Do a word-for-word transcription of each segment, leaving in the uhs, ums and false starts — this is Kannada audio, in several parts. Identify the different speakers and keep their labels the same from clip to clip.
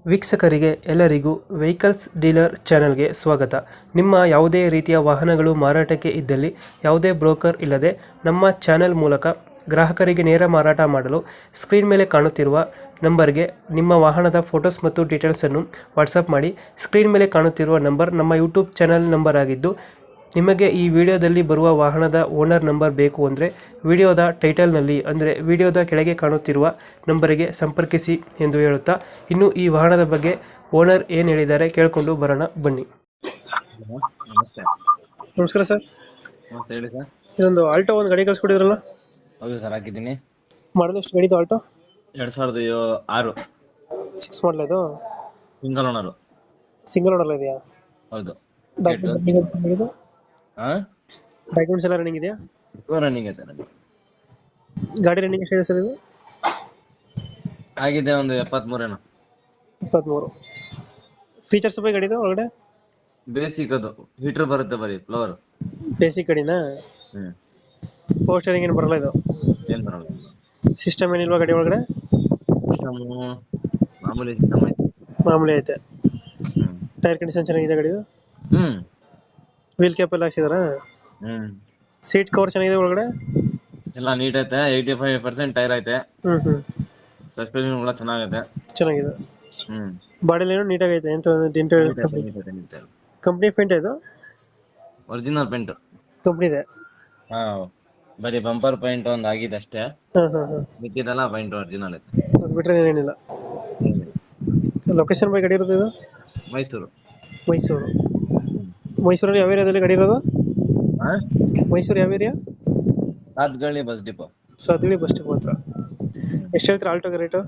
Speaker 1: ವೀಕ್ಷಕರಿಗೆ ಎಲ್ಲರಿಗೂ ವೆಹಿಕಲ್ಸ್ ಡೀಲರ್ ಚಾನೆಲ್ಗೆ ಸ್ವಾಗತ. ನಿಮ್ಮ ಯಾವುದೇ ರೀತಿಯ ವಾಹನಗಳು ಮಾರಾಟಕ್ಕೆ ಇದ್ದಲ್ಲಿ ಯಾವುದೇ ಬ್ರೋಕರ್ ಇಲ್ಲದೆ ನಮ್ಮ ಚಾನೆಲ್ ಮೂಲಕ ಗ್ರಾಹಕರಿಗೆ ನೇರ ಮಾರಾಟ ಮಾಡಲು ಸ್ಕ್ರೀನ್ ಮೇಲೆ ಕಾಣುತ್ತಿರುವ ನಂಬರ್ಗೆ ನಿಮ್ಮ ವಾಹನದ ಫೋಟೋಸ್ ಮತ್ತು ಡೀಟೇಲ್ಸನ್ನು ವಾಟ್ಸಪ್ ಮಾಡಿ. ಸ್ಕ್ರೀನ್ ಮೇಲೆ ಕಾಣುತ್ತಿರುವ ನಂಬರ್ ನಮ್ಮ ಯೂಟ್ಯೂಬ್ ಚಾನೆಲ್ ನಂಬರ್ ಆಗಿದ್ದು, ನಿಮಗೆ ಈ ವಿಡಿಯೋದಲ್ಲಿ ಬರುವ ವಾಹನದ ಓನರ್ ನಂಬರ್ ಬೇಕು ಅಂದರೆ ವಿಡಿಯೋದ ಟೈಟಲ್ನಲ್ಲಿ ಅಂದರೆ ವಿಡಿಯೋದ ಕೆಳಗೆ ಕಾಣುತ್ತಿರುವ ನಂಬರಿಗೆ ಸಂಪರ್ಕಿಸಿ ಎಂದು ಹೇಳುತ್ತಾ, ಇನ್ನು ಈ ವಾಹನದ ಬಗ್ಗೆ ಓನರ್ ಏನು ಹೇಳಿದ್ದಾರೆ ಕೇಳಿಕೊಂಡು ಬರೋಣ ಬನ್ನಿ.
Speaker 2: ಹಲೋ, ನಮಸ್ತೆ.
Speaker 1: ನಮಸ್ಕಾರ ಸರ್.
Speaker 2: ನಮಸ್ತೆ, ಹೇಳಿ ಸರ್.
Speaker 1: ಇದೊಂದು ಆಲ್ಟೋ ಒಂದು ಗಾಡಿ ಕಳಿಸ್ಕೊಟ್ಟಿದ್ರಲ್ಲ,
Speaker 2: ಹೌದು ಸರ್, ಹಾಕಿದ್ದೀನಿ.
Speaker 1: ಮಾಡಲ್ ಎಷ್ಟು ಗಾಡಿದು? ಆಲ್ಟೋ
Speaker 2: ಎರಡ್ ಸಾವಿರದ ಯೋ- ಆರು
Speaker 1: ಸಿಕ್ಸ್ ಮಾಡಲ್ ಇದು,
Speaker 2: ಸಿಂಗಲ್ ಓನರು.
Speaker 1: ಸಿಂಗಲ್ ಓನರ್ ಇದೆಯಾ?
Speaker 2: ಹೌದು.
Speaker 1: ಡಾಕ್ಯುಮೆಂಟ್ಸ್
Speaker 2: ಹಾ
Speaker 1: ಡಾಕ್ಯುಮೆಂಟ್ಸ್ ಎಲ್ಲ ರನ್ನಿಂಗ್ ಇದೆಯಾ?
Speaker 2: ರನ್ನಿಂಗ್ ಐತೆ ನನಗೆ.
Speaker 1: ಗಾಡಿ ರನ್ನಿಂಗ್ ಎಷ್ಟಿದೆ ಸರ್ ಇದು?
Speaker 2: ಆಗಿದೆ ಒಂದು ಎಪ್ಪತ್ಮೂರೇನು.
Speaker 1: ಇಪ್ಪತ್ತ್ಮೂರು. ಫೀಚರ್ಸ್ ಬಗ್ಗೆ ಗಾಡಿದು ಒಳಗಡೆ?
Speaker 2: ಬೇಸಿಕ್ ಅದು ಹೀಟರ್ ಬರುತ್ತೆ, ಬರೀ ಫ್ಲವರ್.
Speaker 1: ಬೇಸಿಕ್ ಗಾಡಿನಾ?
Speaker 2: ಹ್ಮ್
Speaker 1: ಪವರ್ ಸ್ಟೇರಿಂಗ್ ಏನು ಬರಲ್ಲ ಇದು?
Speaker 2: ಏನ್ ಬರಲ್ಲ.
Speaker 1: ಸಿಸ್ಟಮ್ ಏನಿಲ್ವಾ ಗಾಡಿ ಒಳಗಡೆ?
Speaker 2: ಸಿಸ್ಟಮ್ ಮಾಮೂಲಿ ಸಿಸ್ಟಮ್ ಐತೆ.
Speaker 1: ಮಾಮೂಲಿ ಐತೆ.
Speaker 2: ಹ್ಮ್
Speaker 1: ಟೈರ್ ಕಂಡೀಷನ್ ಚೆನ್ನಾಗಿದೆ ಗಾಡಿದು?
Speaker 2: ಹ್ಮ್
Speaker 1: ವೀಲ್ ಕ್ಯಾಪ್ ಎಲ್ಲ ಹಾಕ್ಸಿದಾರಾ?
Speaker 2: ಹ್ಮ್
Speaker 1: ಸೀಟ್ ಕವರ್ ಚೆನ್ನಾಗಿದೆ ಒಳಗಡೆ?
Speaker 2: ಎಲ್ಲ ನೀಟ್ ಐತೆ. ಏಯ್ಟಿ ಫೈವ್ ಪರ್ಸೆಂಟ್ ಟೈರ್ ಐತೆ.
Speaker 1: ಹ್ಮ್ ಹ್ಮ್
Speaker 2: ಸಸ್ಪೆನ್ಷನ್ ಕೂಡ ಚೆನ್ನಾಗೈತೆ.
Speaker 1: ಚೆನ್ನಾಗಿದೆ.
Speaker 2: ಹ್ಮ್
Speaker 1: ಬಾಡಿಲಿ ಏನೋ ನೀಟಾಗಿ ಐತೆ ಎಂತ ಡೆಂಟ್? ಕಂಪ್ನಿ ಪೇಂಟ್ ಇದು?
Speaker 2: Original paint.
Speaker 1: ಕಂಪ್ನಿದೆ?
Speaker 2: ಹಾ, ಬರೀ ಬಂಪರ್ ಪೇಂಟ್ ಒಂದ್ ಆಗಿದೆ ಅಷ್ಟೇ.
Speaker 1: ಹಾಂ ಹಾಂ ಹಾಂ.
Speaker 2: ಮಿಕ್ಕಿದೆಲ್ಲ ಪೇಂಟ್ ಒರಿಜಿನಲ್ ಐತೆ.
Speaker 1: ಅದು ಬಿಟ್ಟರೆ ಏನಿಲ್ಲ. ಲೊಕೇಶನ್ ಬೈ ಗಾಡಿ ಇರೋದು ಇದು?
Speaker 2: ಮೈಸೂರು.
Speaker 1: ಮೈಸೂರು. ಮೈಸೂರಲ್ಲಿ ಯಾವ ಏರಿಯಾದಲ್ಲಿ ಗಾಡಿ ಇರೋದು?
Speaker 2: ಹಾ,
Speaker 1: ಮೈಸೂರು ಯಾವ area?
Speaker 2: Sathagalli bus depot.
Speaker 1: Sathagalli bus stop ಹತ್ರ. ಎಷ್ಟು ಹೇಳ್ತೀರಾ ಆಲ್ಟೋಗೆ ರೇಟು?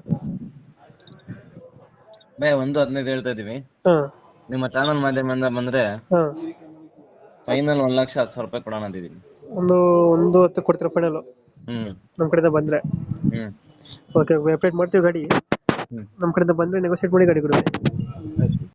Speaker 2: ಬೇ ಒಂದು ಹದಿನೈದು ಹೇಳ್ತಾ ಇದೀವಿ.
Speaker 1: ಹಾಂ
Speaker 2: ನಿಮ್ಮ ಚಾನಲ್ ಮಾಧ್ಯಮದಿಂದ ಬಂದ್ರೆ
Speaker 1: ಹಾಂ.
Speaker 2: ಫೈನಲ್ ಒಂದ್ ಲಕ್ಷ ಹತ್ತು ಸಾವಿರ ರೂಪಾಯಿ ಕೊಡೋಣ ಅಂತಿದೀನಿ.
Speaker 1: ಒಂದು ಒಂದು ಹತ್ತು ಕೊಡ್ತೀರಾ ಫೈನಲು
Speaker 2: ಹ್ಮ್
Speaker 1: ನಮ್ಮ ಕಡೆಯಿಂದ ಬಂದರೆ?
Speaker 2: ಹ್ಮ್
Speaker 1: ಓಕೆ, ಅಪ್ಡೇಟ್ ಮಾಡ್ತೀವಿ ಗಾಡಿ.
Speaker 2: ಹ್ಮ್
Speaker 1: ನಮ್ಮ ಕಡೆಯಿಂದ ಬಂದರೆ ನೆಗೋಸಿಯೇಟ್ ಮಾಡಿ ಗಾಡಿ ಕೊಡಿ.